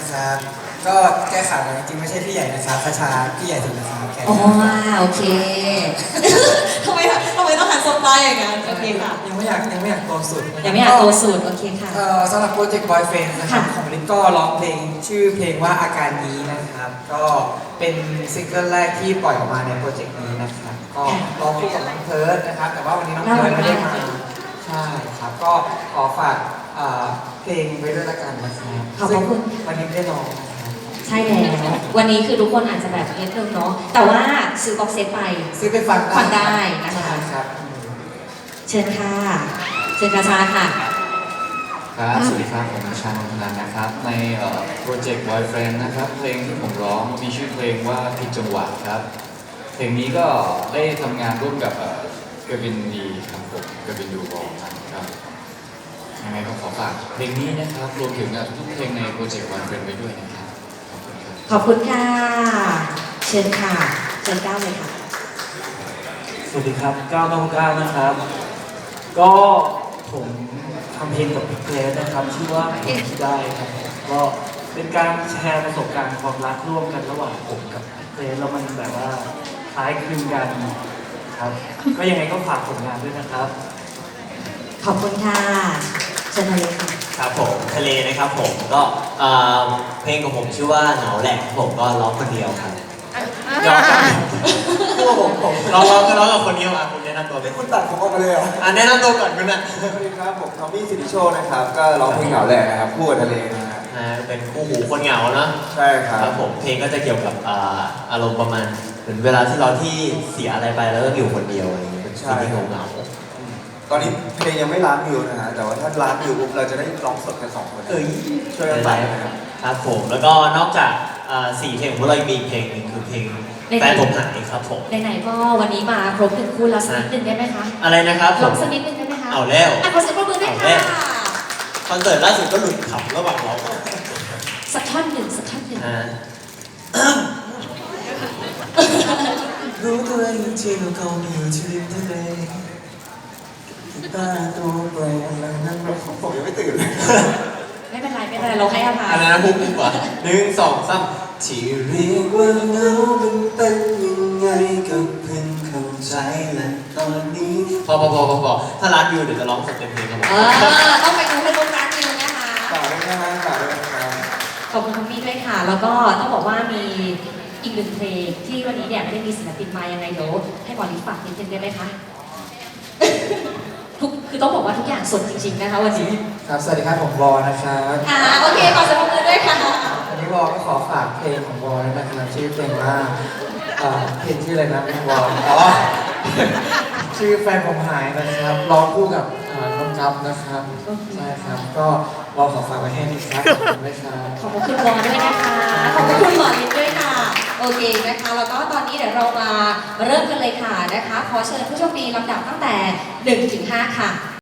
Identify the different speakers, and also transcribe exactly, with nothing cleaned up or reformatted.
Speaker 1: นะครับก็แก้ข่าวกันจริงๆไม่ใช่พี่ใหญ่นะครับคชาพี่ใหญ่สุดนะครับแก
Speaker 2: อ๋อโอเค ทำไมทำไมต้องหันสบตาอย่างนั้นโอเคค่ะ
Speaker 1: ยังไม่อยากยังไม่อยากโตสุด
Speaker 2: ยังไม่อยากโตสุดโอเคค่ะ
Speaker 1: เอ่อสำหรับโปรเจกต์ Boyfriend นะครับ
Speaker 2: ค่ะ
Speaker 1: ของลิศก็ร้องเพลงชื่อเพลงว่าอาการนี้นะครับ ก็เป็นซิงเกิลแรกที่ปล่อยออกมาในโปรเจกต์นี้นะครับก็ร้องคู่กับน้องเพิร์ดนะครับแต่ว่าวันนี้น้องเพิร์ดไม่ได้มาใช่ครับก็ขอฝากเอ่อเพลงไว้ด้วยละกันนะครับ
Speaker 2: ขอบพระคุณ
Speaker 1: ซึ่งวันนี้ไม่ได้ร้องนะครับ
Speaker 2: ใช่แล้ววันนี้คือทุกคนอาจจะแบบนิดนึงเนาะแต่ว่าซื้อบ็อกเซตไป
Speaker 1: ซื้อไปฟัง
Speaker 2: ฟังได้นะคะ
Speaker 1: ใช่ครับ
Speaker 2: เชิญค่ะเชิญกระชาค่ะ
Speaker 3: ครับสวัสดีครับผมชาญนนทนันนะครับในโปรเจกต์ Boyfriend นะครับเพลงที่ผมร้องมีชื่อเพลงว่าผิดจังหวะครับเพลงนี้ก็ได้ทำงานร่วมกับเอ่อกวินดีครับผมกวินดูบอลนะครับยังไงก็ขอฝากเพลงนี้นะครับรวมถึงทุกเพลงในโปรเจกต์ Boyfriend ไปด้วยนะครับขอบคุณครับ
Speaker 2: ขอบคุณค่ะ เชิญค่ะเชิญก้าวเลยค่ะ
Speaker 4: สวัสดีครับก้าวน้องก้าวนะครับ ก็ผมทำเพลงกับพี่เกรซนะครับชื่อว่าเพลงที่ได้ครับก็เป็นการแชร์ประสบการณ์ความรักร่วมกันระหว่างผมกับพี่เกรซแล้วมันแบบว่าคล้ายคลึงกันครับ ก็ยังไงก็ฝากผลงานด้วยนะครับ
Speaker 2: ขอบคุณค่ะเชิญทะเลค่ะ
Speaker 5: ครับผมทะเลนะครับผมก็เอ่อเพลงของผมชื่อว่าเหงาแหละผมก็ร้องคนเดียวครับยอมกันคู่ผมผมร้องร้องก็ร้องกับคนเดียวอ่ะคุณแนะนำตัวเป็น
Speaker 1: คุณตัดผมออกมาเลยเหรอ
Speaker 5: อ่ะแนะนำตัวก่อนคุณนะ
Speaker 6: สวัสดีครับผมทอมมี่สิริโชคนะครับก็ร้องเพลงเหงาแหละนะครับคู่กับทะเลนะฮะ
Speaker 5: อ่าเป็นคู่หูคนเหงาเนาะ
Speaker 6: ใช่ครั
Speaker 5: ครับ บผมเพลงก็จะเกี่ยวกับอ่าอารมณ์ประมาณเหมือนเวลาที่เราที่เสียอะไรไปแล้วก็อยู่คนเดียวอะไรอย่างเงี้ยเป็นสิ่งที่เหงาเหงา
Speaker 6: ตอนนี้เพลงยังไม่ล้านวิวนะฮะแต่ว่าถ้าล้านวิวปุ๊บเราจะได้ร้องสดกันสองคน
Speaker 5: เอ้ย
Speaker 6: ช่วยกันฟังนะครับ
Speaker 5: ครับผมแล้วก็นอกจากอ่าสี่เพลงของพวกเรายังมีอีกเพลงหนึงคือเพลงแฟนผมหายครับผม
Speaker 2: ไหนๆก็วันนี้มาครบหนึ่งคู่แล้วสักนิดหนึ่งได้ไหมคะ
Speaker 5: อะไรนะครับผ
Speaker 2: ลอ
Speaker 5: ม
Speaker 2: งสักนิดหนึ่งได้ไหมคะ
Speaker 5: เอาแล้ว
Speaker 2: อ่ะขอเสียงปรบมือด้วย
Speaker 5: เอาแล้
Speaker 2: ค่ะ
Speaker 5: ว คอนเสิร์ตล่าสุดก็หลุดขำระหว่างเรา
Speaker 2: สักท่อนหนึ่งสักท่อนหนึ่ง
Speaker 5: อ่า
Speaker 1: รู้ตัวเองที่เราเขามีอยู่ที่ริมทะเลตาตัวเปล่าอะไรนั่นไม่ของผมยังไม่ตื่นเลย
Speaker 2: ไม่เป็นไรไม่เป็นไรเราให้อภัย
Speaker 5: อะไรนะพุกดีกว่าหนึ่งสองสามที่เรียกว่าเหงามันเป็นยังไงก็เพิ่งเข้าใจและตอนนี้พอพอพอพอพอถ้าร้านวิวเดี๋ยวจะร้องสดเต็มเพลงครับผม
Speaker 2: เออต้องไปดูให้ลูกร้านนิวนะคะ
Speaker 6: ฝากด้วยนะฮะฝากด้วยนะครับ
Speaker 2: ขอบคุณคุณมี่ด้วยค่ะ แล้วก็ต้องบอกว่ามีอีกหนึ่งเพลงที่วันนี้เนี่ยไม่ได้มีศิลปินมายังไงเดี๋ยวให้บอลลิฝากนิดนึงได้ไหมคะทุกคือต้องบอกว่าทุกอย่างสดจริงๆนะคะวันนี้
Speaker 1: ครับสวัสดีครับผมวอนะครับ
Speaker 2: อ่าโอเคขอเสียงปรบมือด้วยค่ะ
Speaker 1: วันนี้วอก็ขอฝากเพลงของวอนะครับชื่อเพลงว่าเอ่อเพลงชื่ออะไรนะวออ๋อ ชื่อแฟนผมหายนะครับร้องคู่กับเอ่อน้องกัฟนะครับใช่ครับก็วอขอฝากไว้ให้ดีครับขอบคุณด้วยครับ
Speaker 2: ขอบคุณวอด้วยนะคะ ขอบคุณหมอลินด้วยค่ะ โอเคนะคะ แล้วก็ตอนนี้เดี๋ยวเรามาเริ่มกันเลยค่ะนะคะ ขอเชิญผู้โชคดีลำดับตั้งแต่หนึ่งถึงห้าค่ะ